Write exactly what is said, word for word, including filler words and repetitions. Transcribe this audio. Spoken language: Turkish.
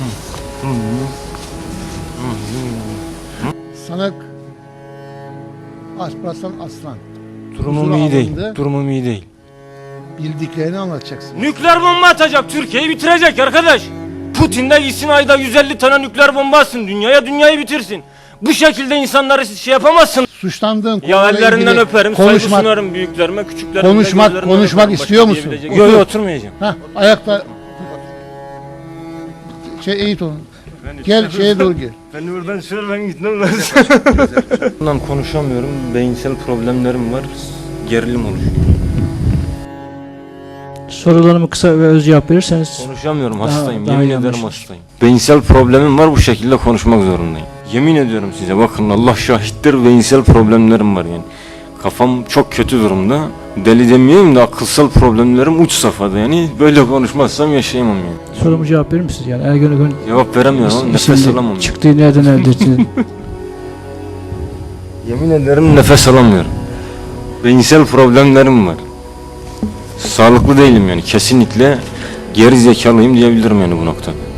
Sanık Alparslan Aslan. Durumum Huzura iyi değil. alındı. Durumum iyi değil. Bildiklerini anlatacaksın. Nükleer bomba atacak, Türkiye'yi bitirecek arkadaş. Putin de gitsin ayda yüz elli tane nükleer bomba atsın dünyaya, dünyayı bitirsin. Bu şekilde insanları siz şey yapamazsın. Suçlandığın Ya konuyla ellerinden ilgili öperim, saygı konuşmak, sunarım büyüklerime, küçüklerime. konuşmak, gözlerinden konuşmak öperim. istiyor Başka musun? diyebilecek- Otur. Yok yok, oturmayacağım. Heh, ayakta şey eğit onu. Gel şeye doğru gel. Ben oradan şöyle ben gitmem lazım. Bundan konuşamıyorum, beyinsel problemlerim var, gerilim oluşuyor. Sorularımı kısa ve öz cevap verirseniz. Konuşamıyorum, Daha- hastayım, daha yemin iyi ederim anlaşılır. hastayım. Beyinsel problemim var, bu şekilde konuşmak zorundayım. Yemin ediyorum size, bakın Allah şahittir, beyinsel problemlerim var yani. Kafam çok kötü durumda. Deli demeyeyim de akılsal problemlerim uç safhada yani. Böyle konuşmazsam yaşayamam yani. Sorumu cevap verir misiniz? Yani Ergen Ökön Cevap veremiyorum ama nefes isimli alamam. Yani. çıktığı nereden elde ettiniz? Yemin ederim nefes alamıyorum. Beyinsel problemlerim var. Sağlıklı değilim yani, kesinlikle geri zekalıyım diyebilirim yani bu noktada.